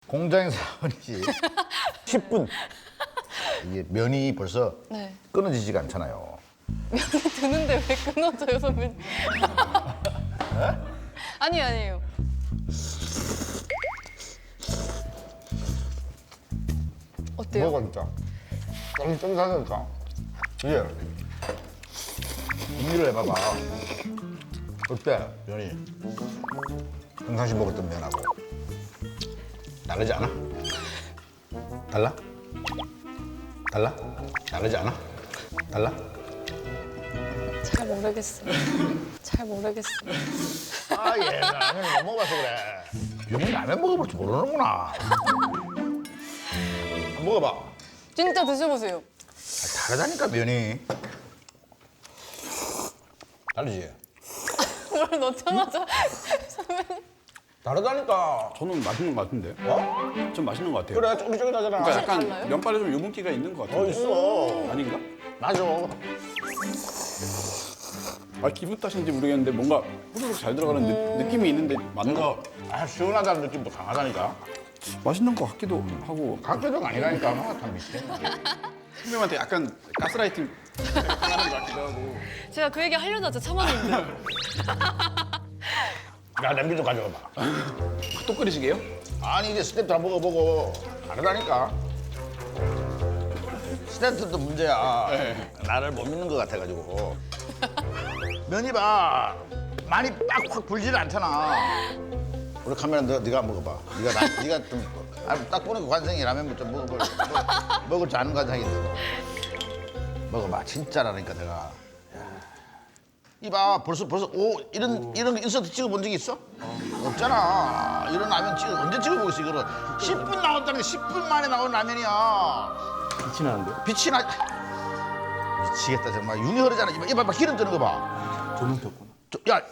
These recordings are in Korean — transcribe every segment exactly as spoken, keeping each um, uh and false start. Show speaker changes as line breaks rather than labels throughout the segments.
공장에서 하지 십 분. 이게 면이 벌써
네.
끊어지지가 않잖아요.
면이 드는데 왜 끊어져요, 선배님? 아니 아니에요. 어때요?
뭐가 진짜 쫀쫀하니까. 이게 음미를 해봐봐. 어때 면이? 평상시 먹었던 면하고 다르지 않아? 달라? 달라? 다르지 않아? 달라?
잘 모르겠어요. 잘 모르겠어요.
아, 얘 라면 못 먹어봐서 그래. 병이 라면 먹어볼 줄 모르는구나. 한번 먹어봐.
진짜 드셔보세요.
아, 다르다니까 면이. 다르지?
뭘 넣자마자 선배님.
다르다니까.
저는 맛있는 것 같은데.
어?
좀 맛있는 것 같아요.
그래, 쫄깃쫄깃하잖아.
그러니까 약간
달라요?
면발에 좀 유분기가 있는 것
어,
같은데.
있어.
아닌가?
맞아.
아, 기분 탓인지 모르겠는데 뭔가 후루룩 잘 들어가는 느, 느낌이 있는데 맞는 거
이거 아, 시원하다는 느낌도 강하다니까.
맛있는 것 같기도 하고
각도가 아니라니까. 막 다 미치겠네.
선배님한테 약간 가스라이팅 당하는 것 같기도 하고.
제가 그 얘기 하려다 진짜 참았는데.
야, 냄비 좀 가져가봐.
또 끓이시게요?
아니, 이제 스텝도 한 먹어보고 다르다니까. 스텝도 문제야.
네.
나를 못 믿는 것 같아가지고. 면이 봐. 많이 빡 확 불지는 않잖아. 우리 카메라 너, 네가 한번 먹어봐. 네가 나, 네가 좀 아, 딱 보니까 관상이 라면 좀 먹어볼 먹, 먹을 줄 아는 관상이 있어. 먹어봐. 진짜라니까 내가. 야. 이봐 벌써 벌써 오 이런 이런 거 인서트 찍어본 적이 있어? 없잖아. 이런 라면 찍어 언제 찍어보겠어 이거를. 십 분 나온다는 게 십 분 만에 나온 라면이야.
빛이 나는데요?
빛이 나. 미치겠다 정말. 윤이 흐르잖아. 이봐 이봐 봐, 기름 뜨는 거 봐.
조명 켰구나.
저, 야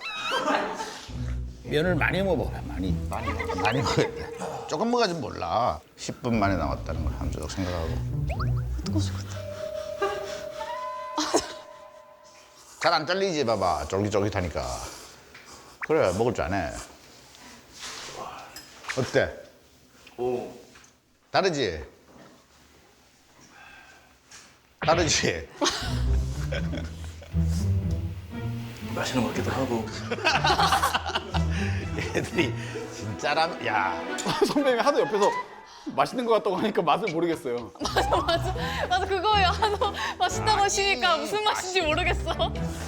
면을 많이 먹어. 많이 많이 많이 먹어야 돼. 조금 먹어야지 몰라. 십 분 만에 나왔다는 걸 한조적 생각하고.
뜨거워 죽겠다.
잘 안 잘리지 봐봐. 쫄깃쫄깃하니까. 그래 먹을 줄 아네. 어때?
오.
다르지? 다르지?
맛있는 것 같기도 하고.
애들이 진짜라면 야
선배님이 하도 옆에서 맛있는 것 같다고 하니까 맛을 모르겠어요.
맞아 맞아 맞아 그거예요. 한우 맛있다고 하시니까 무슨 맛인지 모르겠어.